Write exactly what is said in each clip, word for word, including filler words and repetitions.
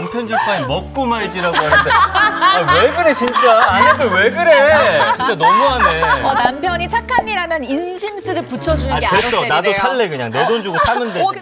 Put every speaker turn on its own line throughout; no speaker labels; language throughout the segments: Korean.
남편 줄 바에 먹고 말지라고 하는데 아, 왜 그래 진짜 아내들 왜 그래 진짜 너무하네.
어, 남편이 착한 일 하면 인심스를 붙여주는
아
게
됐어
아로셀이래요.
나도 살래 그냥 내 돈 주고 사면 되지.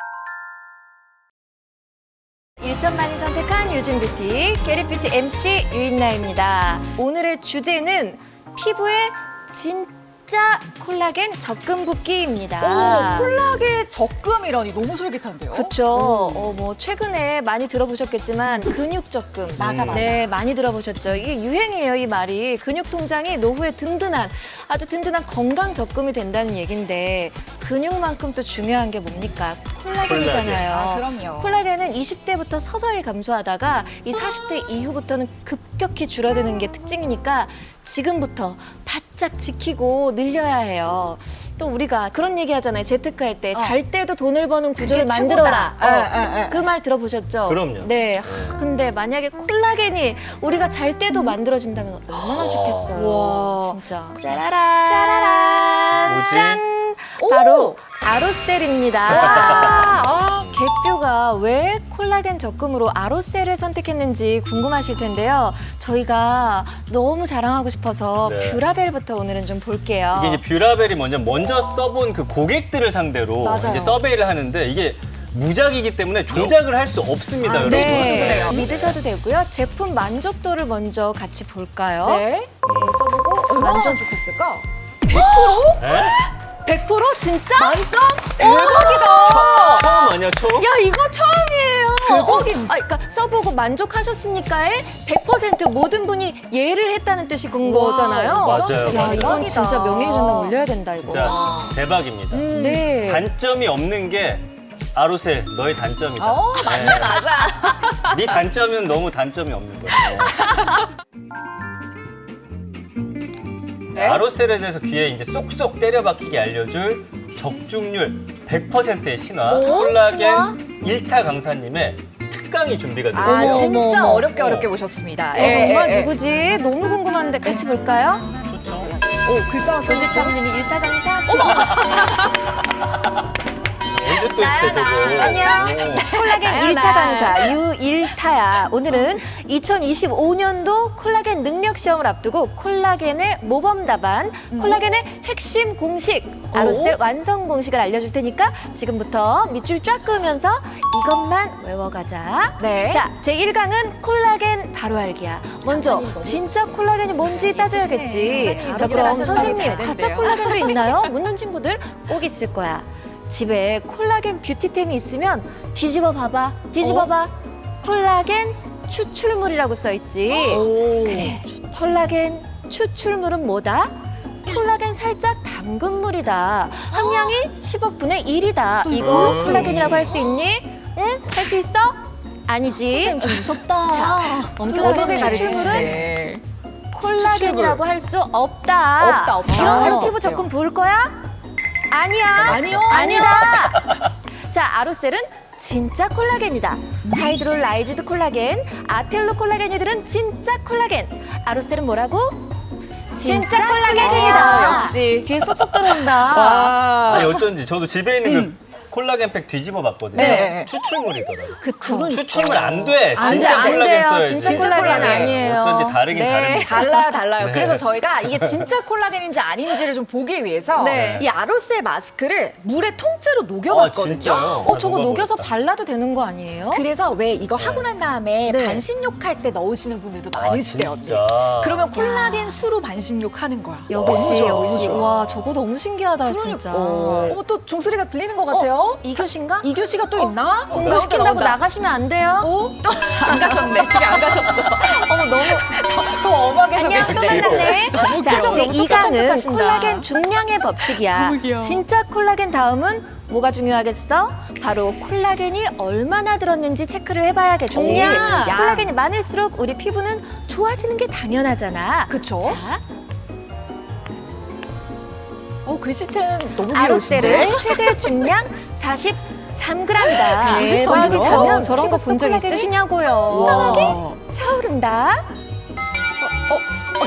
일 점 만이 선택한 요즘 뷰티 게리뷰티 엠씨 유인나입니다. 오늘의 주제는 피부에 진짜 콜라겐 적금 붓기입니다.
오, 콜라겐 적금이라니 너무 솔깃한데요?
그쵸. 어, 뭐, 최근에 많이 들어보셨겠지만, 근육 적금.
맞아, 맞아.
네, 많이 들어보셨죠. 이게 유행이에요, 이 말이. 근육 통장이 노후에 든든한, 아주 든든한 건강 적금이 된다는 얘기인데, 근육만큼 또 중요한 게 뭡니까? 콜라겐이잖아요.
아, 그럼요.
콜라겐은 이십 대부터 서서히 감소하다가, 이 사십 대 이후부터는 급격히 줄어드는 게 특징이니까, 지금부터 바짝 지키고 늘려야 해요. 또 우리가 그런 얘기 하잖아요. 재테크 할 때.
어.
잘 때도 돈을 버는 구조를
그게
만들어라.
최고다. 예, 예, 예.
그 말 들어보셨죠?
그럼요.
네. 하, 근데 만약에 콜라겐이 우리가 잘 때도 만들어진다면 얼마나 좋겠어요.
와.
진짜. 짜라란. 짜라란.
뭐지?
짠.
오.
바로 아로셀입니다.
아,
개뼈가 왜 콜라겐 적금으로 아로셀을 선택했는지 궁금하실 텐데요. 저희가 너무 자랑하고 싶어서
네.
뷰라벨부터 오늘은 좀 볼게요.
이게 이제 뷰라벨이 먼저 먼저 써본 그 고객들을 상대로
맞아요.
이제 서베이를 하는데 이게 무작이기 때문에 조작을 할 수 없습니다, 여러분.
네,
그래요.
믿으셔도 되고요. 제품 만족도를 먼저 같이 볼까요?
네. 이걸 써보고 얼마나 좋겠을까?
네?
백 퍼센트 진짜?
만점? 대박이다.
처음 아니야, 처음?
야, 이거 처음이에요.
대박입니다.
아, 그러니까 써보고 만족하셨습니까에 백 퍼센트 모든 분이 예를 했다는 뜻이 건
와,
거잖아요.
맞아요.
야, 이건
대박이다.
진짜 명예의 전당 올려야 된다, 이거.
진짜 대박입니다.
음.
네.
단점이 없는 게 아로셀 너의 단점이다.
어,
맞네, 맞아. 네 단점은 너무 단점이 없는 거야.
네?
아로셀에 대해서 귀에 이제 쏙쏙 때려박히게 알려줄 적중률 백 퍼센트의 신화
오,
콜라겐
신화?
일 타 강사님의 특강이 준비가 되어
아,
있어요.
진짜
어머, 어머.
어렵게 어렵게 오셨습니다.
어,
예,
정말
예, 예.
누구지? 너무 궁금한데 같이 볼까요?
좋죠.
오, 글자가
교집합님이 일타 강사.
언제 또
나야,
했대 저거.
나. 안녕.
오.
콜라겐
나야,
일 타
나.
강사 유 일 타야. 오늘은 이천이십오 년도 콜라겐 능력 시험을 앞두고 콜라겐의 모범 답안, 콜라겐의 핵심 공식, 아로셀 완성 공식을 알려줄 테니까 지금부터 밑줄 쫙 그으면서 이것만 외워가자.
네.
자, 제일 강은 콜라겐 바로 알기야. 먼저 진짜 콜라겐이 뭔지 따져야겠지.
선생님,
자,
진짜
그럼
하셨죠?
선생님
잘
가짜
됐네요.
콜라겐도 있나요? 묻는 친구들 꼭 있을 거야. 집에 콜라겐 뷰티템이 있으면 뒤집어 봐봐. 뒤집어 봐. 콜라겐 추출물이라고 써 있지.
오.
그래. 콜라겐 추출물은 뭐다? 콜라겐 살짝 담근 물이다. 함량이 십억분의 일이다. 이거
음.
콜라겐이라고 할 수 있니? 응? 할 수 있어? 아니지. 선생님 좀 무섭다. 자, 엄격하게
어떻게
추출물은
가르치시네.
콜라겐이라고 할 수 없다.
없다, 없다.
이런 걸로
아,
피부
없대요.
적금 부을 거야? 아니야.
아니요.
아니다. 자, 아로셀은 진짜 콜라겐이다. 하이드롤라이즈드 콜라겐, 아텔로 콜라겐이들은 진짜 콜라겐. 아로셀은 뭐라고? 진짜 콜라겐이다.
아, 역시.
뒤에 쏙쏙 들어온다.
와.
아니 어쩐지 저도 집에 있는 그 콜라겐 팩 뒤집어 봤거든요.
네.
추출물이더라고요.
그쵸.
추출물 안 돼.
안 돼,
진짜
안
콜라겐
돼요.
써야지.
진짜 콜라겐 아니에요.
어쩐지 다르긴
네.
다릅니다.
달라요, 달라요.
네.
그래서 저희가 이게 진짜 콜라겐인지 아닌지를 좀 보기 위해서
네.
이 아로셀 마스크를 물에 통째로
아
녹여봤거든요.
진짜요?
어, 저거
아,
녹여서
녹아보겠다.
발라도 되는 거 아니에요?
그래서 왜 이거 하고 난 다음에
네.
반신욕 할 때 넣으시는 분들도
아,
많으시대요.
진짜.
그러면 콜라겐 수로 반신욕 하는 거야.
역시,
너무
역시.
좋아.
와, 저거 너무 신기하다, 진짜.
어머, 또 종소리가 들리는 것 같아요.
어, 이 교시인가?
이교 씨가 또 있나?
공부시킨다고
나온다.
나가시면 안 돼요.
어? 또 안 가셨네. 집에 안 가셨어.
어머, 너무.
또 엄하게서
안녕, 또
계시네.
만났네.
너무
자,
귀여워.
제
너무
이 강은
똑똑한 척하신다.
콜라겐 중량의 법칙이야.
너무 귀여워.
진짜 콜라겐 다음은 뭐가 중요하겠어? 바로 콜라겐이 얼마나 들었는지 체크를 해봐야겠지.
중량.
콜라겐이 많을수록 우리 피부는 좋아지는 게 당연하잖아.
그쵸?
자,
어, 글씨체는 너무 귀여우신데?
아로셀은 최대 중량 사십삼 그램이다.
사십삼 그램?
대박이죠. 저런 거
피부
본 적
콜라겐이?
있으시냐고요.
와.
차오른다.
어,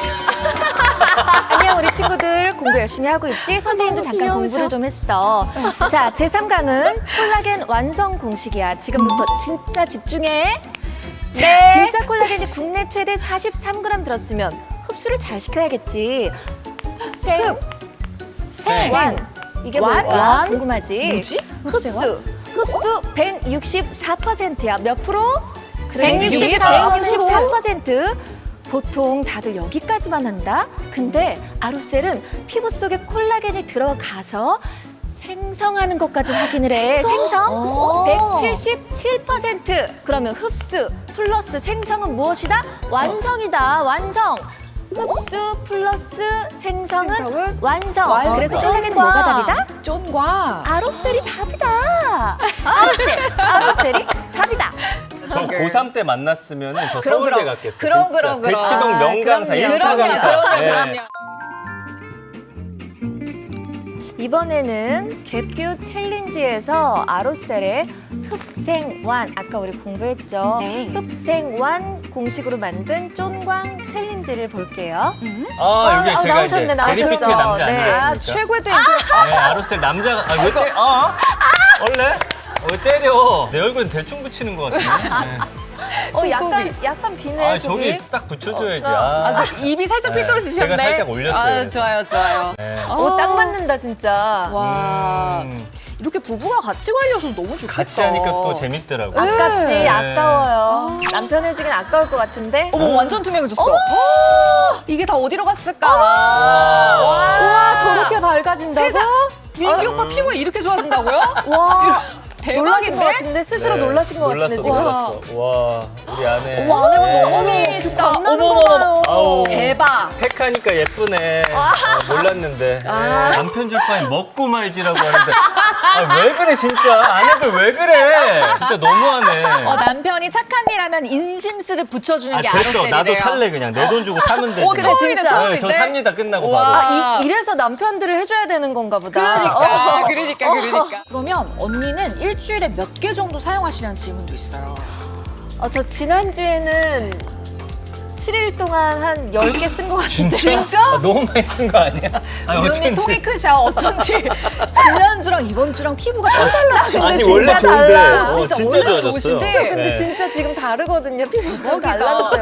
안녕 우리 친구들 공부 열심히 하고 있지? 선생님도
너무
잠깐
귀여우셔.
공부를 좀 했어. 자, 제삼 강은 콜라겐 완성 공식이야. 지금부터 진짜 집중해.
네.
진짜 콜라겐이 국내 최대 사십삼 그램 들었으면 흡수를 잘 시켜야겠지. 생,
생.
완. 이게
완?
뭘까?
완?
궁금하지?
뭐지?
흡수. 흡수 백육십사 퍼센트야. 몇 프로?
백육십사.
백육십사 퍼센트. 보통 다들 여기까지만 한다. 근데 아로셀은 피부 속에 콜라겐이 들어가서 생성하는 것까지 확인을 해. 생성
오.
백칠십칠 퍼센트. 그러면 흡수 플러스 생성은 무엇이다? 완성이다. 완성. 흡수 플러스 생성은,
생성은
완성.
완성.
그래서 콜라겐은 뭐가 답이다?
쫀과.
아로셀이 답이다. 아로셀, 아로셀이 답이다.
저 고삼 때 만났으면 저
그럼,
서울대
그럼.
갔겠어요.
그럼,
진짜.
그럼, 그럼.
대치동
아,
명강사,
그럼요.
일타
그럼요,
강사.
그럼요,
예.
그럼요.
이번에는 개뷰 챌린지에서 아로셀의 흡생완, 아까 우리 공부했죠?
네.
흡생완 공식으로 만든 쫀광 챌린지를 볼게요.
아, 여기
아,
제가
나오셨네,
이제
나오셨어.
베리피트의 남자
네.
아니겠습니까?
아, 최고의 또 인플루-
네, 아로셀 남자가 아, 왜 때? 어? 원래? 어, 왜 때려? 내 얼굴은 대충 붙이는 것 같은데. 네.
어, 약간,
콩콩이.
약간 비네,
아,
저기.
저기 딱 붙여줘야지.
어,
아,
아, 입이 살짝
네,
삐뚤어지셨네.
제가 살짝 올렸어요,
아,
그래서.
좋아요, 좋아요.
네.
오, 딱 맞는다, 진짜.
와.
음,
이렇게 부부가 같이 관리해서 너무 좋겠다.
같이 하니까 또 재밌더라고요.
아깝지,
네.
아까워요. 남편 해주긴 아까울 것 같은데.
어머, 완전 투명해졌어. 어, 이게 다 어디로 갔을까?
와.
우와, 저렇게 밝아진다고?
세상. 민기 오빠 피부가 이렇게 좋아진다고요?
와, 놀라신 것
대박인데?
같은데? 스스로
네,
놀라신 것 같은데,
놀랐어,
지금.
놀랐어. 와, 우리 아내.
어머, 아내분
네.
너무 미인이시다.
겁나는
어머,
거
어머,
봐요.
아우.
대박.
팩하니까 예쁘네. 어, 몰랐는데. 네,
아.
남편 줄 바엔 먹고 말지라고 하는데. 아, 왜 그래, 진짜. 아내들 왜 그래. 진짜 너무하네.
어, 남편이 착한 일 하면 인심 쓰듯 붙여주는
아,
게
됐어.
아로셀이래요.
나도 살래, 그냥. 내 돈 주고 사면 되지.
어,
그래,
처음이네,
진짜.
처음인데.
네, 저 삽니다, 끝나고
와.
바로.
아, 이, 이래서 남편들을 해줘야 되는 건가 보다.
그러니까,
어.
그러니까, 그러니까. 그러면 언니는 일주일에 몇 개 정도 사용하시냐는 질문도 있어요.
어, 저 지난주에는 칠 일 동안 한 열 개 쓴 것 같은데.
진짜? 아, 너무 많이 쓴 거 아니야? 아니,
우리 언니 통이 크셔. 어쩐지 지난주랑 이번 주랑 피부가 딱 달라지네.
아니,
진짜
원래 좋은데.
달라.
어,
진짜
진짜
원래
좋아졌어요.
좋으신데.
저 근데
네.
진짜 지금 다르거든요. 피부가
대박이다.
달라졌어요.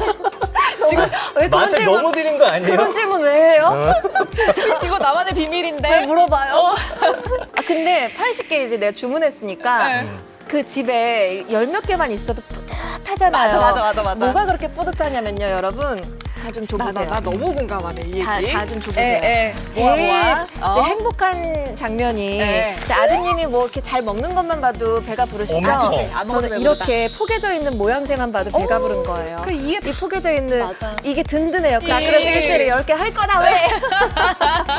지금
왜 그런
맛을
질문,
너무 드린 거 아니에요?
그런 질문 왜 해요?
이거 나만의 비밀인데.
왜 물어봐요? 아, 근데 팔십 개 이제 내가 주문했으니까
네.
그 집에 열 몇 개만 있어도 뿌듯하잖아요.
맞아, 맞아, 맞아, 맞아.
뭐가 그렇게 뿌듯하냐면요, 여러분. 다 좀
나, 나,
줘보세요.
나 너무 공감하네, 이
다,
얘기.
다 좀 줘보세요.
에, 에.
제일
모아, 모아.
이제
어?
행복한 장면이
네.
제 아드님이 뭐 이렇게 잘 먹는 것만 봐도 배가 부르시죠?
엄청.
안 먹어도
저는
배부르다.
이렇게 포개져 있는 모양새만 봐도 배가
오,
부른 거예요.
그 이해
이 포개져 있는
맞아.
이게 든든해요. 나
이-
그래서 일주일에 열 개 할 거다 왜?